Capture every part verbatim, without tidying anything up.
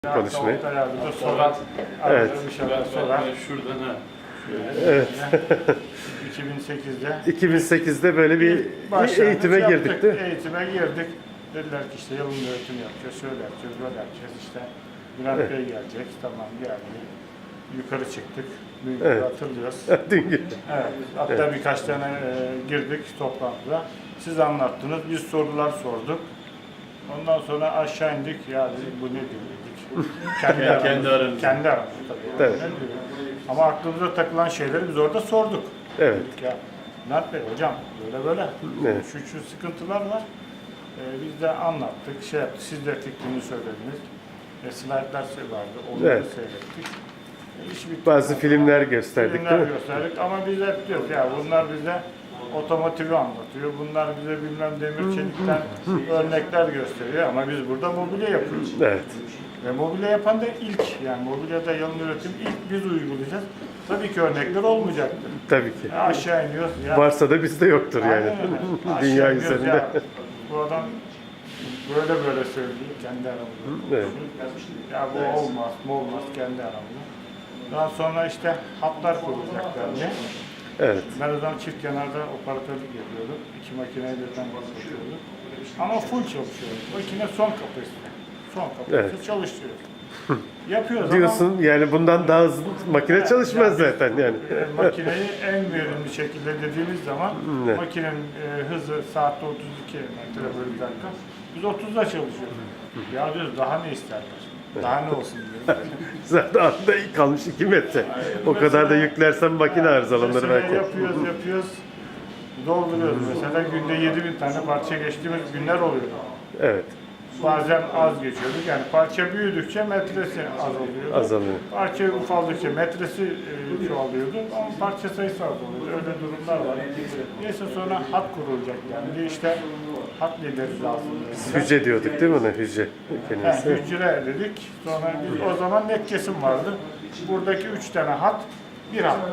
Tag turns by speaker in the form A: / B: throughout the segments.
A: Konuşmayı.
B: Soran,
A: Evet.
B: bir şeyler sorar.
C: Şuradan ha.
A: Evet.
B: iki bin sekizde
A: iki bin sekizde böyle bir
B: başlangıç
A: eğitime
B: yaptık,
A: girdik değil mi?
B: Eğitime girdik. Dediler ki işte yalın öğretim yapacağız, şöyle yapacağız, böyle yapacağız işte. Bülent
A: Evet.
B: Bey gelecek, tamam geldi. Yukarı çıktık. Dün
A: Evet.
B: hatırlıyoruz.
A: Dün gün.
B: Evet. Hatta
A: Evet.
B: birkaç tane e, girdik toplantıda. Siz anlattınız, biz sorular sorduk. Ondan sonra aşağı indik. Ya dedik, bu ne diyor dedik. Kendi aramızda.
C: Kendi aramızda.
B: Kendi aramızda tabii.
A: Evet.
B: Ne diyor? Ama aklımıza takılan şeyleri biz orada sorduk.
A: Evet.
B: Dedik ya, Bülent Bey hocam böyle böyle.
A: Evet.
B: Şu şu sıkıntılar var. Ee, biz de anlattık, şey yaptık. Siz de fikrini söylediniz. E, slaytlar vardı. Onları
A: Evet.
B: seyrettik. E, iş bitti.
A: Bazı filmler gösterdik
B: Filmler
A: değil mi?
B: gösterdik ama biz hep diyoruz ya bunlar bize otomotivi anlatıyor. Bunlar bize bilmem demir çelikten örnekler gösteriyor ama biz burada mobilya yapıyoruz.
A: Evet.
B: Ve mobilya yapan da ilk, yani mobilyada yalın üretim ilk biz uygulayacağız. Tabii ki örnekler olmayacaktır.
A: Tabii ki.
B: Ya aşağı iniyoruz. Ya,
A: Varsa da bizde yoktur yani.
B: aynen öyle. Aşağı
A: Dünya
B: iniyoruz
A: üzerinde.
B: ya, bu adam böyle böyle söylüyor kendi aramızda.
A: Evet.
B: Ya bu olmaz, bu olmaz kendi aramızda. Daha sonra işte hatlar kurulacak bence.
A: Evet.
B: Ben o zaman çift kenarda operatörlük yapıyordum. İki makineyi birden basıyordum. Ama full çalışıyoruz. Makine son kapasite. Son kapasite
A: Evet.
B: çalıştırıyoruz. Yapıyoruz
A: Diyorsun yani bundan daha hızlı makine
B: Evet,
A: çalışmaz
B: yani
A: zaten yani.
B: ama e, makineyi en verimli şekilde dediğimiz zaman
A: Evet.
B: makinenin e, hızı saatte otuz iki metre bölü dakika. Biz otuzda çalışıyoruz. Ya diyoruz daha ne isterler? Daha ne olsun diyoruz.
A: Zaten anda kalmış iki metre. O kadar da yüklersen makine arızalanır
B: Mesela
A: belki.
B: yapıyoruz, yapıyoruz. Dolduruyoruz. Mesela günde yedi bin tane parça geçtiğimiz günler oluyor.
A: Evet.
B: Bazen az geçiyorduk. Yani parça büyüdükçe metresi azalıyordu.
A: Azalıyor.
B: Parça ufaldıkça metresi e, çoğalıyordu ama parça sayısı azalıyordu. Öyle durumlar var. Neyse sonra hat kurulacak yani. İşte hat lideri lazım. dediler.
A: Hücre diyorduk değil mi ona? Hücre
B: Yani
A: kelimesi.
B: hücre dedik. Sonra biz o zaman net kesim vardı. Buradaki üç tane hat bir hattı.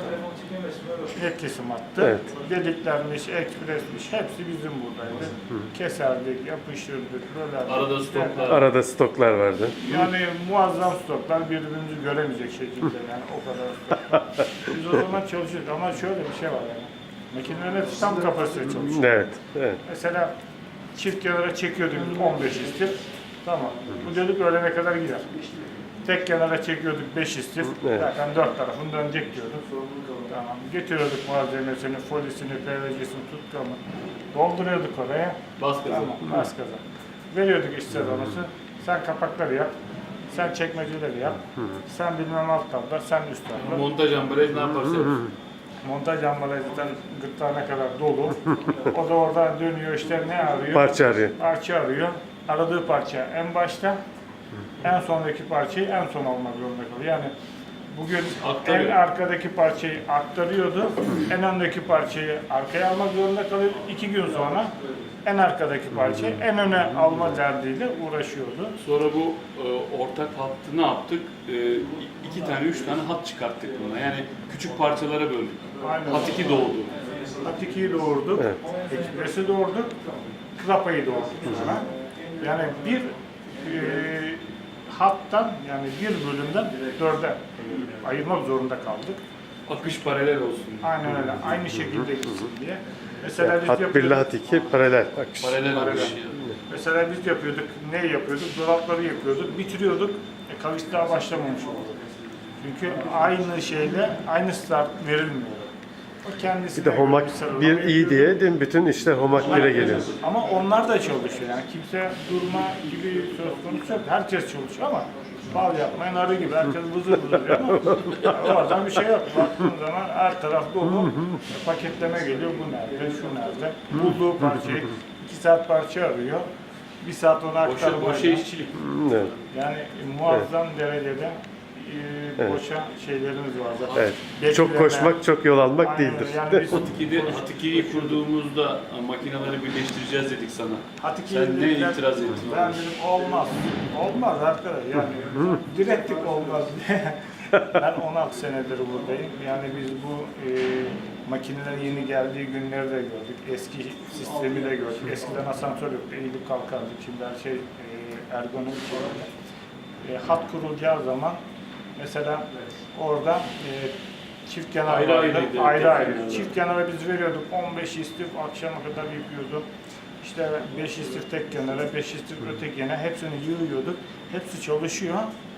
B: Net kesim hattı.
A: Evet.
B: Deliklermiş, ekspresmiş hepsi bizim buradaydı. Keserdik, yapıştırdık, böyle.
C: Arada stoklar.
A: Arada stoklar vardı.
B: Yani muazzam stoklar birbirimizi göremeyecek şekilde yani o kadar stoklar. Biz o zaman çalışıyorduk ama şöyle bir şey var yani. Makinelerin hepsi tam kapasite çalışıyor.
A: Evet. Evet.
B: Mesela çift kenara çekiyorduk on beş istif. Tamam. Bu dedik öğlene kadar gider. Tek kenara çekiyorduk beş istif.
A: Evet.
B: Zaten dört tarafını dönecek diyorduk. Tamam. Getiriyorduk malzemesini, folisini, P V C'sini, tutkamı. Dolduruyorduk oraya.
C: Bas gaza.
B: Tamam. Bas gaza. Veriyorduk işte donusu. Sen kapakları yap. Sen çekmeceleri yap. Sen bilmem alt tabla, sen üst tabla.
C: Montaj ambalaj ne yaparsa yapsın.
B: Montaj ambalajı zaten gırtlağına kadar dolu. O da oradan dönüyor işte ne arıyor?
A: Parça arıyor.
B: Parça arıyor. Aradığı parça en başta, en sondaki parçayı en son almak zorunda kalıyor. Yani bugün
C: Aktarıyor.
B: en arkadaki parçayı aktarıyordu, en öndeki parçayı arkaya almak zorunda kalıyor. İki gün sonra en arkadaki parçayı en öne alma derdiyle uğraşıyordu.
C: Sonra bu e, ortak hattı ne yaptık? E, iki tane, üç tane hat çıkarttık buna. Yani küçük parçalara böldük.
B: Aynen.
C: Hat iki doğdu.
B: Hat ikiyi doğurduk,
A: Evet.
B: Ekspres'i doğurduk, Klapa'yı doğurduk sonra. Yani bir e, hattan yani bir bölümden dörde e, ayırmak zorunda kaldık.
C: Akış paralel olsun.
B: Aynen öyle. Aynı şekilde gitsin diye. Mesela biz
A: Hat bir ile
B: yapıyorduk.
A: hat iki paralel akış.
C: Paralel
B: Paralel.
C: akış.
B: Mesela biz yapıyorduk. Ne yapıyorduk? Dolapları yapıyorduk. Bitiriyorduk. E, kalış daha başlamamış oldu. Çünkü aynı şeyle aynı start verilmiyor. O kendisine
A: Bir de homak
B: göre sıralama
A: bir iyi
B: yapıyor.
A: diye değil mi? Bütün işler homak bire geliyor.
B: Ama onlar da çalışıyor. Yani kimse durma gibi söz konusu yok. Herkes çalışıyor ama bal yapmayan arı gibi. Herkes vızır vızır diyor ama yani oradan bir şey yok. Baktığın zaman her taraf dolu. Paketleme geliyor. Bu nerede? Şu nerede? Bulduğu parçayı iki saat parça arıyor. Bir saat ona
C: Boşa,
B: aktarma.
C: boşa işçilik.
A: Evet.
B: Yani muazzam derecede e,
A: Evet.
B: boşa şeylerimiz var zaten.
A: Evet. Çok
B: Bekleme.
A: koşmak, çok yol almak
B: Aynen
A: değildir.
B: öyle. Yani biz
C: Hat iki'de, Hat iki'yi kurduğumuzda makineleri birleştireceğiz dedik sana.
B: Hatice'ye
C: Sen ne
B: dediler,
C: itiraz ettin?
B: Ben dedim olmaz. Olmaz arkadaş yani. Direttik olmaz diye. Ben on altı senedir buradayım. Yani biz bu e, makinelerin yeni geldiği günleri de gördük. Eski sistemi de gördük. Eskiden asansör yoktu. Eğilip kalkardık. Şimdi her şey e, ergonomik olarak. E, e, hat kurulacağı zaman mesela orada e, çift kenar
C: Ayrı
B: vardı,
C: ayrıydı,
B: ayrı
C: tek
B: ayrı.
C: kenarlar.
B: Çift kenara biz veriyorduk on beş istif akşama kadar yapıyordum. İşte beş istif tek kenara, beş istif öteki yana hepsini yığıyorduk. Hepsi çalışıyor.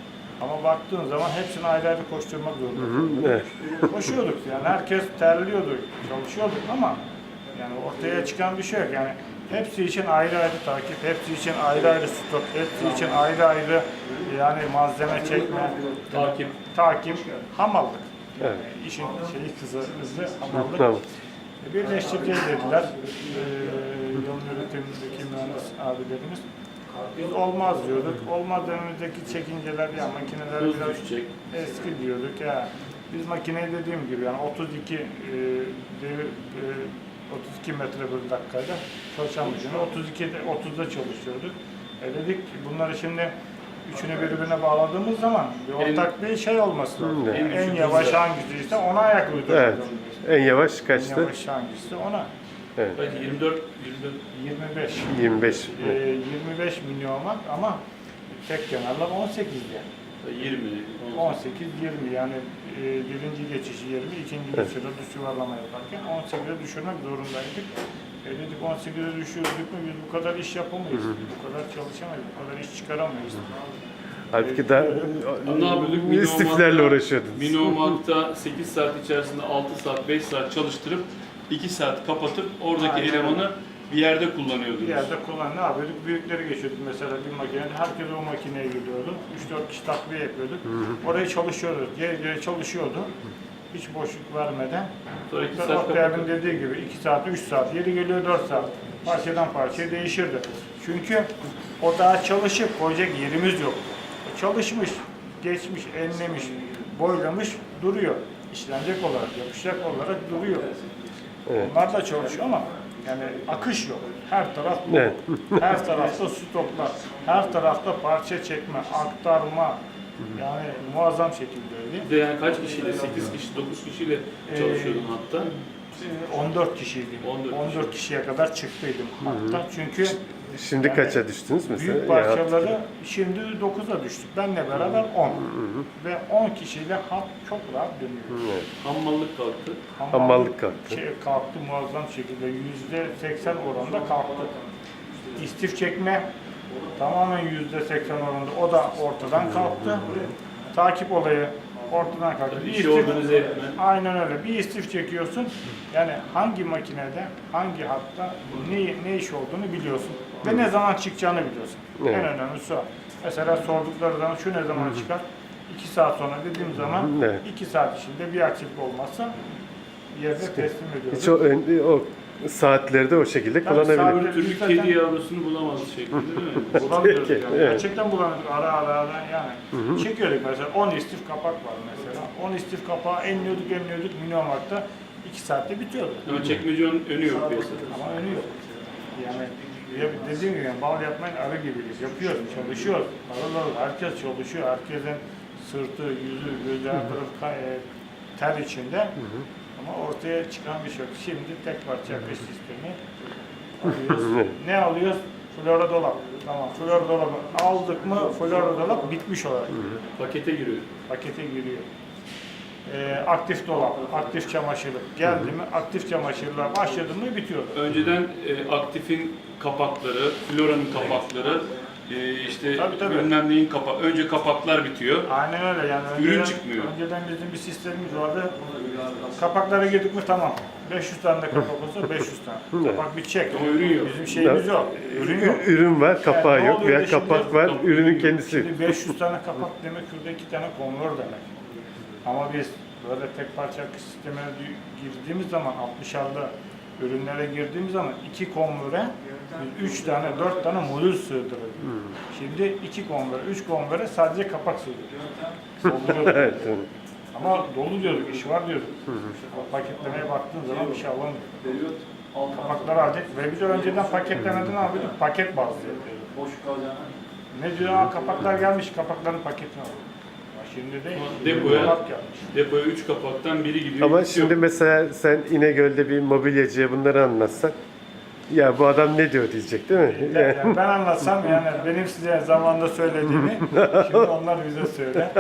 B: Ama baktığın zaman hepsini ayrı ayrı koşturmak zorunda.
A: Evet.
B: Koşuyorduk yani herkes terliyordu, çalışıyorduk ama yani ortaya çıkan bir şey yok. Yani hepsi için ayrı ayrı takip, hepsi için ayrı ayrı stok, hepsi için ayrı ayrı yani malzeme çekme,
C: Takip.
B: takip, hamallık. Yani
A: Evet.
B: işin şeyi kızı, hızlı hamallık.
A: Tamam.
B: Birleştireceğiz dediler. Ee, yolun üretimindeki mühendis abilerimiz. Biz olmaz diyorduk. Olmaz önümüzdeki çekinceler ya makineler
C: Hız
B: biraz
C: düşecek.
B: eski diyorduk ya. Biz makineyi dediğim gibi yani otuz iki e, devir, e, otuz iki metre bir dakikayla çalışan makine otuz ikide otuzda çalışıyorduk. E dedik ki bunları şimdi üçünü birbirine bağladığımız zaman bir ortak bir şey olması lazım.
A: Hı,
B: Yani
C: evet.
B: en yavaş hangisiyse ona ayak uydurmak
A: Evet.
B: zorundayız.
A: En yavaş
B: En
A: kaçtı?
B: yavaş hangisi ona.
A: Evet.
C: Belki yirmi dört, yirmi dört.
B: yirmi beş.
A: yirmi beş.
B: Ee, yirmi beş milyon var ama tek kenarlar on sekiz yani.
C: yirmi.
B: on sekiz yirmi yani e, birinci geçişi yirmi, ikinci geçişi düz yuvarlama yaparken on sekize düşürmek zorundaydık. E dedik on sekize düşürdük mü biz bu kadar iş yapamayız, bu kadar çalışamayız, bu kadar iş çıkaramayız.
A: Halbuki daha
C: Ne yapıyorduk? Mini
A: istiflerle
C: Omak'ta-
A: uğraşıyordunuz.
C: Mini Omak'ta sekiz saat içerisinde altı saat, beş saat çalıştırıp iki saat kapatıp oradaki
B: Aynen.
C: elemanı bir yerde kullanıyordunuz.
B: Bir yerde kullan ne yapıyorduk? Büyükleri geçiyorduk mesela bir makinede. Herkes o makineye gidiyordu. üç dört kişi takviye yapıyorduk. Orayı çalışıyordu. Geri geri çalışıyordu. Hiç boşluk vermeden.
C: Sonra iki
B: İşte
C: saat
B: Oktay abinin
C: kapatıp.
B: dediği gibi iki saat, üç saat, yeri geliyor dört saat. Parçadan parçaya değişirdi. Çünkü o daha çalışıp koyacak yerimiz yok. O çalışmış, geçmiş, enlemiş, boylamış duruyor. İşlenecek olarak, yapışacak olarak duruyor.
A: Evet.
B: Onlar da çalışıyor ama yani akış yok. Her taraf dolu.
A: Evet.
B: Her tarafta stoklar. Her tarafta parça çekme, aktarma. Yani muazzam şekildeydi.
C: Bir de yani kaç kişiyle? sekiz kişi, dokuz kişiyle çalışıyordun hatta.
B: Ee, on dört kişiydim.
C: on dört
B: on dört kişiye kadar çıktıydım hatta. Çünkü
A: Şimdi
B: yani
A: kaça düştünüz mesela?
B: büyük
A: Ya,
B: parçaları şimdi dokuza düştük. Benle beraber on. Ve on kişiyle hat çok rahat dönüyor.
A: evet.
C: Hammallık kalktı.
A: Hamallık kalktı.
B: Şey, kalktı muazzam şekilde. Yüzde seksen oranında kalktı. İstif çekme tamamen yüzde seksen oranında. O da ortadan kalktı. Takip olayı ortadan kalktı.
C: Tabii
B: Bir
C: işi
B: istif-
C: organize etme.
B: Aynen öyle. Bir istif çekiyorsun. Yani hangi makinede, hangi hatta ne, ne iş olduğunu biliyorsun. Ve ne zaman çıkacağını biliyorsun.
A: Evet.
B: En önemlisi o. Mesela sordukları zaman şu ne zaman çıkar? iki saat sonra dediğim zaman
A: Evet.
B: iki saat içinde bir aksilik olmazsa yerde teslim ediyoruz.
A: Hiç o, ön- o saatleri de o şekilde
B: Tabii
A: kullanabilir.
B: saat-
C: Bir türlü
B: Zaten-
C: kedi yavrusunu bulamaz şeklinde değil mi?
B: Bulamıyoruz
A: Peki,
B: yani.
A: evet.
B: Gerçekten bulamıyorduk ara ara ara yani. Çekiyorduk mesela on istif kapak var mesela. on istif kapağı enliyorduk enliyorduk Minomark'ta iki saatte bitiyordu.
C: Ama çekmecenin önü yok piyasada.
B: Ama önü yok. Yani ya dediğim gibi yani bal yapmayın arı gibiyiz. Yapıyoruz, çalışıyoruz. Harıl harıl herkes çalışıyor. Herkesin sırtı, yüzü, gözü, her tarafı ka- e, ter içinde. Ama ortaya çıkan bir şey yok. Şimdi tek parça akış sistemi alıyoruz. Ne alıyoruz? Flora dolap. Tamam, flora dolabı aldık mı flora dolap bitmiş olarak
C: Pakete giriyor.
B: pakete giriyor. Ee, aktif dolap, aktif çamaşırlık geldi mi aktif çamaşırlar başladı mı bitiyor.
C: Önceden e, aktifin kapakları, floranın kapakları, e, işte
B: Tabii, tabii.
C: bilmem neyin kapağı. Önce kapaklar bitiyor.
B: Aynen öyle yani.
C: Ürün
B: önceden-
C: çıkmıyor.
B: Önceden bizim bir sistemimiz vardı. Kapaklara girdik mi tamam. beş yüz tane de kapak olsa beş yüz tane.
A: Evet.
B: Kapak bitecek.
C: Ama ürün yok.
B: Bizim şeyimiz yok. Ürün yok.
A: Ürün var, kapağı
B: Yani ne
A: yok
B: oluyor
A: veya
B: da şimdi-
A: kapak var,
C: Kapak-
A: ürünün kendisi.
B: Şimdi beş yüz tane kapak demek şurada iki tane konvör demek. Ama biz böyle tek parça akış sistemine girdiğimiz zaman altmışarda ürünlere girdiğimiz zaman iki konvöre biz üç tane dört tane modül sığdırıyoruz. Şimdi iki konvöre, üç konvöre sadece kapak sığdırıyoruz. Dolduruyoruz.
A: Evet, evet.
B: Ama dolu diyorduk, iş var diyorduk. O paketlemeye baktığın zaman bir şey alamıyorduk. Kapakları aldık ve biz önceden paketlemeden ne yapıyorduk? Paket bazlı yapıyorduk. Ne diyor? Aa, kapaklar gelmiş, kapakların paketini alıyorduk. Ama şimdi değil.
C: Depoya-
B: Kapak gelmiş.
C: Depoya üç kapaktan biri gidiyor.
A: Ama
C: birisi
A: şimdi
C: yok.
A: mesela sen İnegöl'de bir mobilyacıya bunları anlatsan Ya bu adam ne diyor diyecek değil mi?
B: Ben, yani ben anlatsam yani benim size zamanında söylediğimi şimdi onlar bize söyler.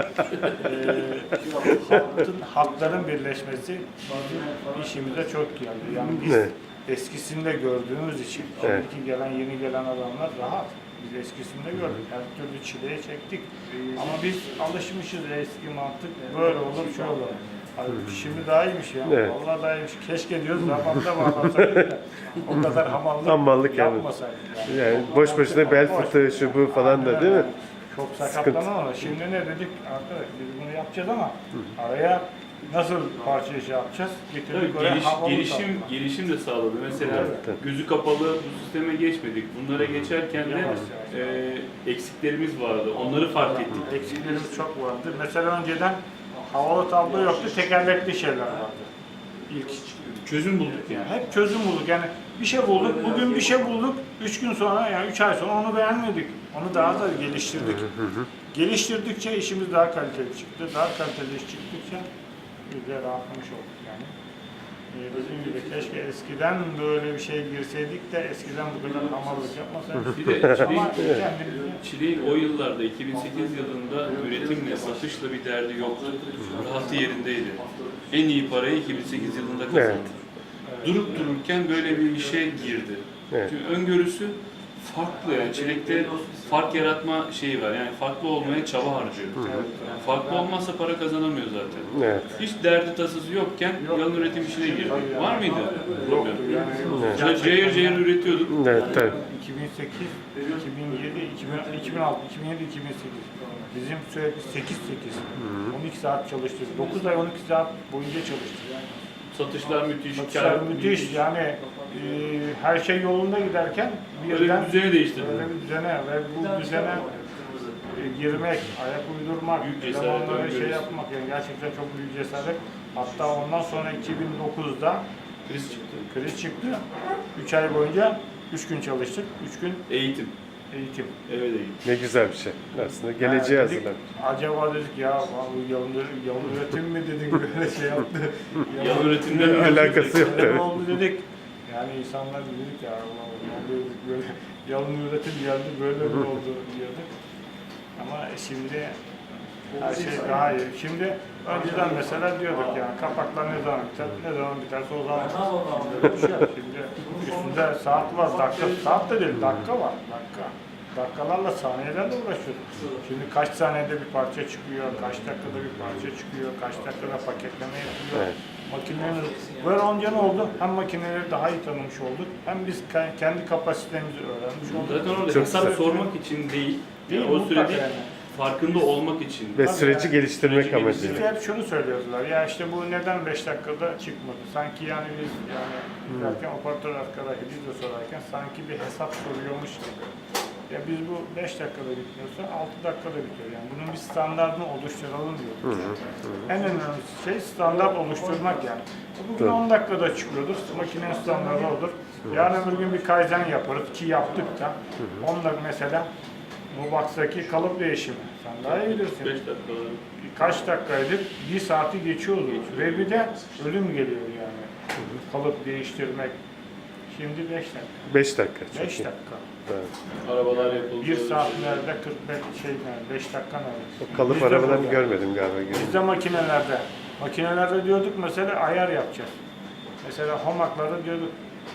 B: Ee, halkın, halkların birleşmesi bizim işimize çok geldi. Yani biz
A: Evet.
B: eskisinde gördüğümüz için
A: Evet.
B: şimdiki gelen yeni gelen adamlar rahat. Biz eskisinde gördük. Her türlü çileye çektik. Ama biz alışmışız eski mantık. Böyle olur, şöyle olur. Abi şimdi daha iyiymiş ya.
A: Evet.
B: Vallahi daha iyiymiş. Keşke diyoruz zamanında bağlansaydık da o kadar hamallık,
A: Hamallık yani.
B: yapmasaydık.
A: Yani boş boşuna bel fıtığı şu bu falan da değil mi?
B: Çok sakatlanan ama şimdi ne dedik? Arkadaş biz bunu yapacağız ama araya nasıl parça işi yapacağız? Getirdik
C: Tabii
B: oraya
C: geliş,
B: havalı
C: gelişim
B: tatlı.
C: gelişim de sağladı. Mesela
A: Evet.
C: gözü kapalı bu sisteme geçmedik. Bunlara geçerken de
B: Yavaş yavaş.
C: e, eksiklerimiz vardı. Onları fark ettik.
B: Eksiklerimiz çok vardı. Mesela önceden havalı tablo yoktu, tekerlekli şeyler vardı. İlk
C: Çözüm bulduk yani.
B: yani hep çözüm bulduk. Yani bir şey bulduk, bugün bir şey bulduk, üç gün sonra yani üç ay sonra onu beğenmedik. Onu daha da geliştirdik. Geliştirdikçe işimiz daha kaliteli çıktı. Daha kaliteli iş çıktıkça biz de rahatlamış olduk yani. Ee, dediğim gibi keşke eskiden böyle bir şey girseydik de eskiden bu kadar hamallık yapmasaydık.
C: Bir de çileğin,
B: Ama kendimizi
C: çileğin o yıllarda iki bin sekiz yılında üretimle, satışla bir derdi yoktu. Rahatı yerindeydi. En iyi parayı iki bin sekiz yılında kazandı.
A: Evet.
C: Durup dururken böyle bir işe girdi.
A: Evet.
C: Çünkü öngörüsü farklı yani çilekte fark yaratma şeyi var. Yani farklı olmaya çaba harcıyor. Yani farklı olmazsa para kazanamıyor zaten.
A: Evet.
C: Hiç derdi tasası yokken yalın üretim işine girdi. Var mıydı problem?
B: yani
C: Yani cayır cayır üretiyorduk.
A: Evet tabii.
B: iki bin sekiz, iki bin yedi, iki bin, iki bin altı, iki bin yedi, iki bin sekiz. Bizim sürekli sekiz sekiz. on iki saat çalıştık. dokuz ay on iki saat boyunca çalıştık.
C: Satışlar müthiş,
B: Satışlar
C: kar
B: müthiş. Yani e, her şey yolunda giderken
C: Böyle
B: birden
C: bir düzeni değiştirdi.
B: böyle bir düzene ve bu düzene e, girmek, ayak uydurmak,
C: Büyük cesaret,
B: elemanlara şey
C: öngörüsü.
B: yapmak yani gerçekten çok büyük cesaret. Hatta ondan sonra iki bin dokuzda
C: Kriz çıktı.
B: kriz çıktı. üç ay boyunca üç gün çalıştık. üç gün
C: Eğitim.
B: eğitim.
C: Eve de eğitim.
A: Ne güzel bir şey. Aslında geleceğe
B: Ha, dedik,
A: hazırlan.
B: acaba dedik ya bu yalın, yalın üretim mi dedik böyle şey yaptı.
C: Yalın üretimden
A: Ne alakası yok
B: Öyle
A: tabii.
B: oldu dedik. Yani insanlar dedik ya Allah Allah ne oluyor dedik, böyle yalın üretim geldi böyle mi oldu diyorduk. Ama şimdi her şey daha iyi. Şimdi önceden mesela diyorduk yani kapaklar ne zaman biter, ne zaman biterse o zaman. Şimdi öyle bir şey yok. Şimdi üstünde saat var, dakika, saat de değil, dakika var, dakika. Dakikalarla, saniyelerle uğraşıyoruz. Şimdi kaç saniyede bir parça çıkıyor, kaç dakikada bir parça çıkıyor, kaç dakikada paketleme yapılıyor.
A: Evet.
B: Makineleri, böyle olunca ne oldu? Hem makineleri daha iyi tanımış olduk, hem biz ke- kendi kapasitemizi öğrenmiş olduk.
C: Zaten orada
A: Çok
C: hesap
A: güzel.
C: sormak için değil,
B: Değil,
C: o
B: mutlaka
C: sürede
B: yani.
C: farkında olmak için.
A: Ve
B: Tabii
A: süreci
B: yani.
A: geliştirmek
C: Süreci
A: amacıyla.
B: Bize hep şunu söylüyorlar, ya işte bu neden beş dakikada çıkmadı? Sanki yani biz yani derken operatör arkadaşı biz de sorarken sanki bir hesap soruyormuş gibi. Ya biz bu beş dakikada bitmiyorsa altı dakikada bitiyor. Yani bunun bir standartını oluşturalım diyoruz. En önemli şey standart oluşturmak yani. Bugün
A: Tabii.
B: on dakikada çıkıyordur, makinenin standartı olur. Yarın öbür gün bir kaizen yaparız ki yaptık da. Onda mesela bu box'taki kalıp değişimi. Sen daha iyi bilirsin.
C: beş dakikalar.
B: Kaç dakikaydı? Bir saati geçiyordu. Ve bir de ölüm geliyor yani. Kalıp değiştirmek. Şimdi beş dakika.
A: beş dakika. Çok
B: beş
A: iyi.
B: dakika.
A: Evet.
C: Arabalar yapıldı.
B: Bir saat nerede? kırk beş şey nerede? beş dakika nerede?
A: O kalıp
B: Bizde
A: arabalarını
B: burada.
A: görmedim galiba.
B: Bizde makinelerde. Makinelerde diyorduk mesela ayar yapacağız. Mesela hamaklarda diyorduk.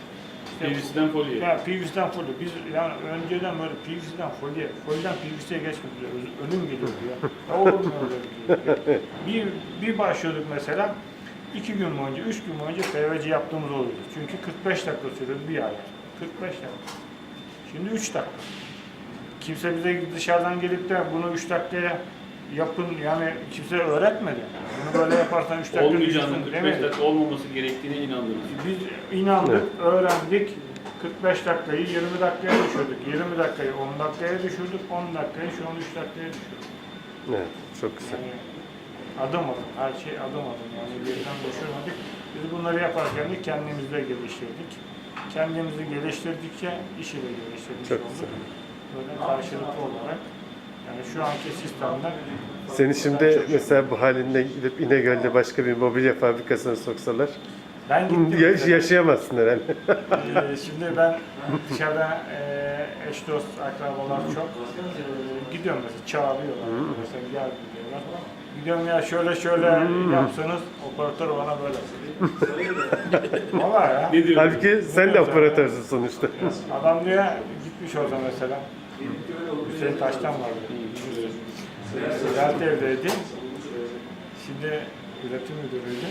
C: P V C'den folye.
B: Ya P V C'den folyo. Biz yani önceden böyle P V C'den folyo, folyodan P V C'ye geçmedi. Ölüm geliyordu ya. Ya olur mu öyle bir şey? Bir, bir başlıyorduk mesela. iki gün boyunca, üç gün boyunca P V C yaptığımız oluyordu. Çünkü kırk beş dakika sürüyordu bir ay. kırk beş dakika. Şimdi üç dakika. Kimse bize dışarıdan gelip de bunu üç dakikaya yapın yani kimse öğretmedi. Bunu böyle yaparsan üç dakika
C: Olmayacağını,
B: diyorsun,
C: kırk beş
B: demedi.
C: dakika olmaması gerektiğine inandınız.
B: Biz inandık, öğrendik. kırk beş dakikayı yirmi dakikaya düşürdük. yirmi dakikayı on dakikaya düşürdük. on dakikayı şu an üç dakikaya düşürdük.
A: Evet, çok güzel.
B: Yani adım adım, her şey adım adım. Yani birden düşürmedik. Biz bunları yaparken de kendimizi de geliştirdik. Kendimizi geliştirdikçe işi de geliştirmiş
A: Çok
B: olduk.
A: güzel.
B: Böyle karşılıklı olarak. Yani şu anki sistemde
A: Seni şimdi mesela bu halinde gidip İnegöl'de başka bir mobilya fabrikasına soksalar
B: Ben gittim.
A: Ya-
B: mesela.
A: yaşayamazsın herhalde.
B: Ee, şimdi ben dışarıda e, eş dost akrabalar çok e, gidiyorum mesela çağırıyorlar mesela gel diyorlar. Gidiyorum ya şöyle şöyle yapsanız operatör bana böyle. Valla ya.
C: Ne diyor?
A: Halbuki sen de operatörsün sonuçta.
B: Adam diyor gitmiş orada mesela. Hüseyin Taş'tan vardı. Ziraat evdeydi. Şimdi üretim müdürüydü.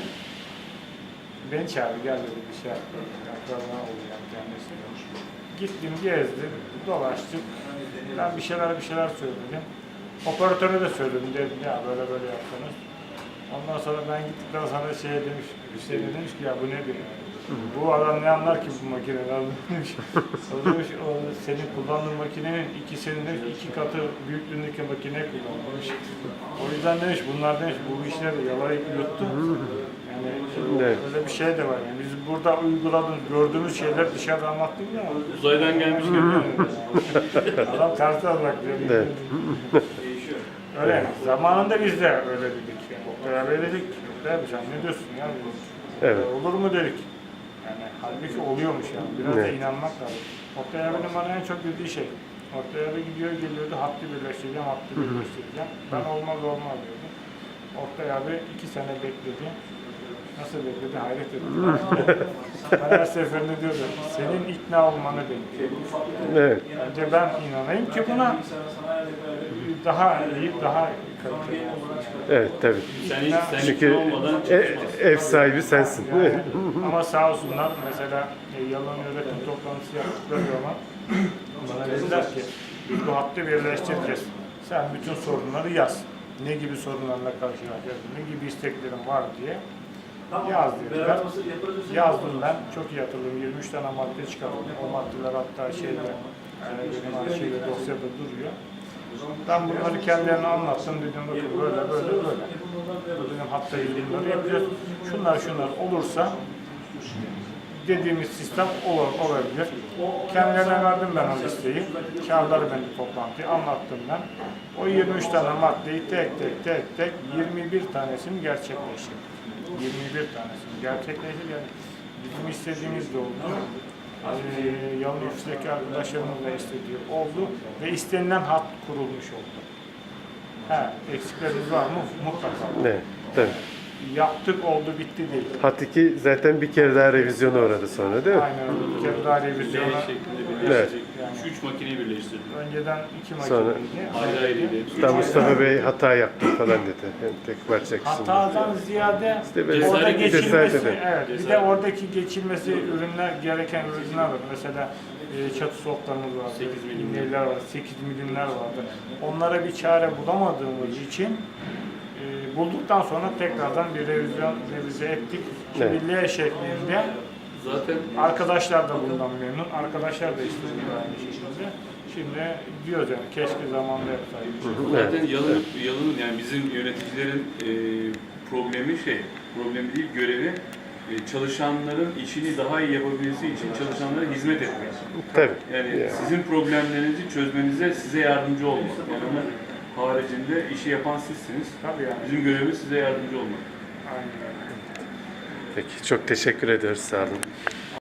B: Beni çağırdı, gel dedi bir şey yaptı. Akrabana olacağım kendisi. Gittim, gezdim, dolaştık. Ben bir şeyler bir şeyler söyledim. Operatöre de söyledim, dedim ya böyle böyle yapsanız. Ondan sonra ben gittikten sonra şey demiş, Hüseyin demiş ki ya bu nedir? Bu adam ne anlar ki bu makineden demiş. O demiş, o senin kullandığın makinenin ikisinin demiş, iki katı büyüklüğündeki makine kullanmış. O yüzden demiş bunlar demiş bu işleri yalayıp yuttu. Yani
A: Evet.
B: öyle bir şey de var. Yani biz burada uyguladığımız, gördüğümüz şeyler dışarıda anlattık ya.
C: Uzaydan gelmiş gibi.
B: Adam tersi almak diyor.
A: Evet.
B: Öyle. Zamanında biz de öyle dedik. Yani. Beraber dedik. Değil mi? Sen ne diyorsun ya?
A: Evet.
B: Olur mu dedik. Yani halbuki oluyormuş yani. Biraz da
A: Evet.
B: inanmak lazım. Oktay abinin bana en çok dediği şey. Oktay abi gidiyor geliyordu hattı birleştireceğim, hattı birleştireceğim. Ben olmaz olmaz diyordum. Oktay abi iki sene bekledi. Nasıl bekledi? Hayret ettim. Ben her seferinde diyordum. Senin ikna olmanı bekliyorum.
A: Evet.
B: Önce ben inanayım ki buna daha iyi, daha kaliteli olsun.
A: Evet tabii.
C: Sen hiç sen
A: Çünkü
C: ikna olmadan
A: e-
C: çalışmazsın.
A: ev sahibi sensin.
B: Yani, ama sağ olsunlar mesela e, yalan yönetim toplantısı yaptıkları zaman bana dediler ki biz bu hattı birleştireceğiz. Sen bütün sorunları yaz. Ne gibi sorunlarla karşılaşacaksın, ne gibi isteklerin var diye yaz dediler. Yazdım ben. Çok iyi hatırlıyorum. yirmi üç tane madde çıkardım. O maddeler hatta şeyde yani benim arşivde dosyada duruyor. Ben bunları kendilerine anlattım. Dedim bakın böyle böyle böyle. Bu dedim hatta ilgili yapacağız. Şunlar şunlar olursa dediğimiz sistem olur, olabilir. Kendilerine verdim ben o listeyi. Kağıtları ben toplantıya anlattım ben. O yirmi üç tane maddeyi tek tek tek tek yirmi bir tanesini gerçekleştirdik. yirmi bir tanesini gerçekleştirdik. Yani bizim istediğimiz de oldu. Ee, Yalın ofisteki arkadaşlarımız da istediği oldu ve istenilen hat kurulmuş oldu. Ha, eksiklerimiz var mı? Mutlaka.
A: Evet, tabii.
B: Yaptık oldu bitti değil.
A: Hat iki zaten bir kere daha revizyona uğradı sonra değil mi?
B: Aynen öyle. Bir kere daha
C: L
B: revizyona.
C: şeklinde birleştirecek.
B: Yani.
C: Şu üç makineyi birleştirdim.
B: Önceden iki
A: Sonra-
B: makineydi.
C: Ayrı ayrıydı.
A: Hatta Mustafa Bey hata yaptı falan dedi. Yani tek parça kısımda.
B: Hatadan ziyade
A: İşte böyle
B: orada
C: cesaret-
B: geçilmesi,
A: cesaret edin.
B: evet. Bir de
C: Cesaret.
B: oradaki geçilmesi ürünler gereken ürünler var. Mesela e, çatı soplarımız var,
C: sekiz milim.
B: milimler var, sekiz milimler vardı. Onlara bir çare bulamadığımız için e, bulduktan sonra tekrardan bir revizyon revize ettik. Şimdi
A: Evet.
B: L şeklinde.
C: Zaten
B: Arkadaşlar da bundan memnun. Arkadaşlar da istediği aynı şekilde. Şimdi diyoruz yani keşke zamanında yapsaydık.
C: zaten yalın, yalın yani bizim yöneticilerin e, problemi şey, problemi değil görevi e, çalışanların işini daha iyi yapabilmesi için çalışanlara hizmet etmek.
A: Tabii.
C: Yani
A: Yani.
C: sizin problemlerinizi çözmenize size yardımcı olmak. Yani onun haricinde işi yapan sizsiniz.
B: Tabii yani.
C: Bizim görevimiz size yardımcı olmak.
B: Aynen öyle.
A: Peki çok teşekkür ediyoruz. Sağ olun.